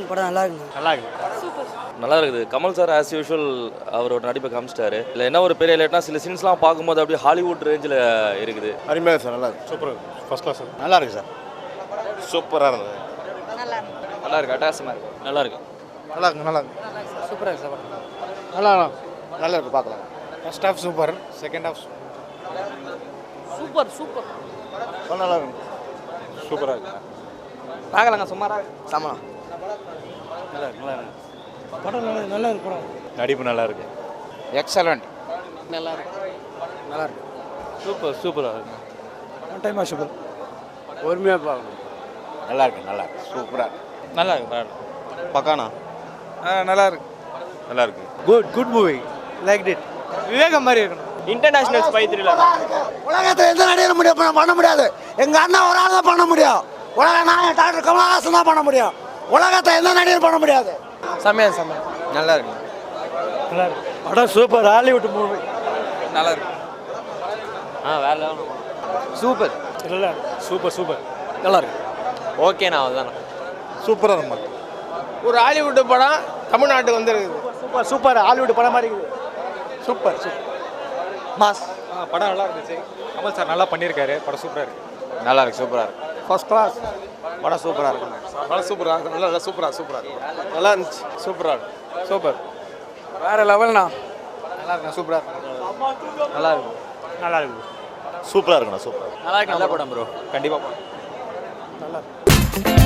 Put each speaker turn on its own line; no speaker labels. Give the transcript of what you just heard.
இருக்கு படம், நல்லா இருக்குங்க.
நல்லா இருக்கு.
நல்லா இருக்குது. கமல் சார் ஆஸ் யூஷுவல் அவரோட நடிப்பை காமிச்சிட்டாரு. இல்லை என்ன ஒரு பெரிய லேட்னா சில சீன்ஸ்லாம் பார்க்கும்போது அப்படியே ஹாலிவுட் ரேஞ்சில் இருக்குது.
அருமையாக சார், நல்லா இருக்கு. Super, first class. நல்லா இருக்கு சார், சூப்பராக இருந்தது.
நல்லா இருக்கு, அட்டாசமாக இருக்கு. நல்லா இருக்கு.
நல்லா இருக்கு, நல்லா இருக்கு.
சூப்பராக இருக்கு சார்.
நல்லா நல்லா இருக்கு, பார்க்கலாம். First half super, second half
super super
நல்லா இருக்கு. சூப்பராக இருக்கு.
பார்க்கலாங்க, சுமாராக சமம்.
நல்லா இருக்கு, நல்லா இருக்கு.
படம் நல்லா இருக்கு. படம்
நடிப்பு நல்லா இருக்கு.
எக்ஸலண்ட்.
நல்லா இருக்கு. நல்லா இருக்கு.
சூப்பர், சூப்பராக இருக்கு.
One time watchable.
பொறுமையாக பார்க்கணும். நல்லா இருக்கு, நல்லா இருக்கு. சூப்பராக இருக்கு.
நல்லா இருக்கு, பரவாயில்ல.
பக்கானா?
நல்லா இருக்கு.
நல்லா இருக்கு.
Good movie, like it. Vivegam மாதிரி இருக்கணும்.
International spy thriller.
உலகத்தில் எந்த நடிகரும் பண்ண முடியாது. எங்கள் அண்ணன் ஒரு ஆள் தான் பண்ண முடியும். உலக நாயகன் டாக்டர் கமலஹாசன் தான் பண்ண முடியும். உலகத்தை எந்த நடிகரும் பண்ண முடியாது.
சமையல்
நல்லா இருக்கு.
நல்லா இருக்கு. படம் சூப்பர், ஹாலிவுட் மூவி.
நல்லா இருக்கு. வேற லெவல்.
சூப்பர். நல்லா இருக்கு.
Super, super.
நல்லா இருக்கு.
ஓகேண்ணா, அதுதானே.
சூப்பராக இருக்கும்.
ஒரு ஹாலிவுட் படம் தமிழ்நாட்டுக்கு வந்துருக்குது.
சூப்பர் சூப்பர், ஹாலிவுட் படம் மாதிரி இருக்குது.
சூப்பர்.
மாஸ்.
படம் நல்லா இருந்துச்சு. கமல் சார் நல்லா பண்ணியிருக்காரு. படம் சூப்பராக இருக்கு.
நல்லா இருக்கு, சூப்பராக இருக்கு.
First class.
படம் சூப்பராக இருக்கு.
படம் சூப்பராக இருக்கு. நல்லா சூப்பராக இருக்கு. நல்லா இருந்துச்சு.
சூப்பராக இருக்கு. சூப்பர்.
வேற லெவல்ண்ணா.
நல்லா இருக்கு. சூப்பராக இருக்கு.
நல்லா இருக்கு. நல்லா இருக்கு.
சூப்பராக இருக்குண்ணா, சூப்பர்.
நல்லா இருக்கு.
நல்ல படம் ப்ரோ, கண்டிப்பாக.
நல்லா இருக்கு.